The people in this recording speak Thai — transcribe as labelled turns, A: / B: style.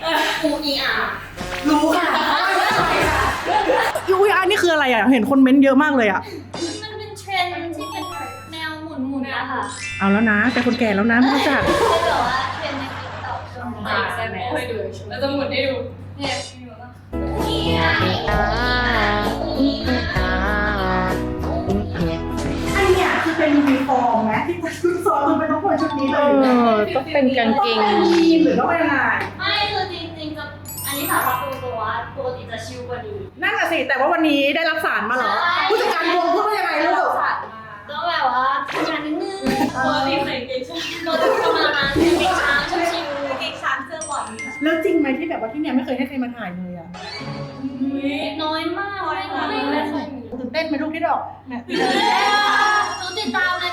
A: อูอีอา
B: รู้ค่ะ
C: อุ้ยอันนี้คืออะไรอ่ะเห็นคนเม้นต์เยอะมากเลยอ่ะ
A: มันเป็นเทรนด์ที่เป็นแนวหมุนๆอะค่ะ
C: เอาแล้วนะแต่คนแก่แล้วนะไม่รู้จัก
A: เป็นแบบว่าเทรนด์ในติ๊กต็อกช่วงนี้
D: ใช่ไหมให้ดูเราจะหมุนให้ดูเนี่ยมีหมดแล้ว
A: อีอาอีอา
B: อันเนี้ยคือเป็นยูนิฟอร์มไหมที่ชุดซ้อมมันเป็นต้องคนชุดนี้เลย
C: ต้องเป็นกางเกง
B: ต้องเป็นยีนหรือต้องเป็นอะไร
A: ไม่คือจริงๆจะอันนี้สารพัดตัวปกติจะชิลกว่านี้
C: นั่นน่ะสิแต่ว่าวันนี้ได้รับสารมาเหรอ
A: ใช่
C: ผู้จัดการวงพูดว่ายังไงลูก
A: ก็แบบว่าทำงานนิดนึง
D: ปกติใส่เกงช้าง
A: เราจะประมาณนั้นเด็กช้างชิว
D: เกงช้างเสื้อบอล
C: แล้วจริงไหมที่แบบว่าที่เนี่ยไม่เคยให้ใครมาถ่ายเลยอ่ะ
A: ๆน้อยมากไม่เคยมี
C: ตื่นเต้นไหมลูกที่ดอกเนี่ย
A: หนูติดตามใน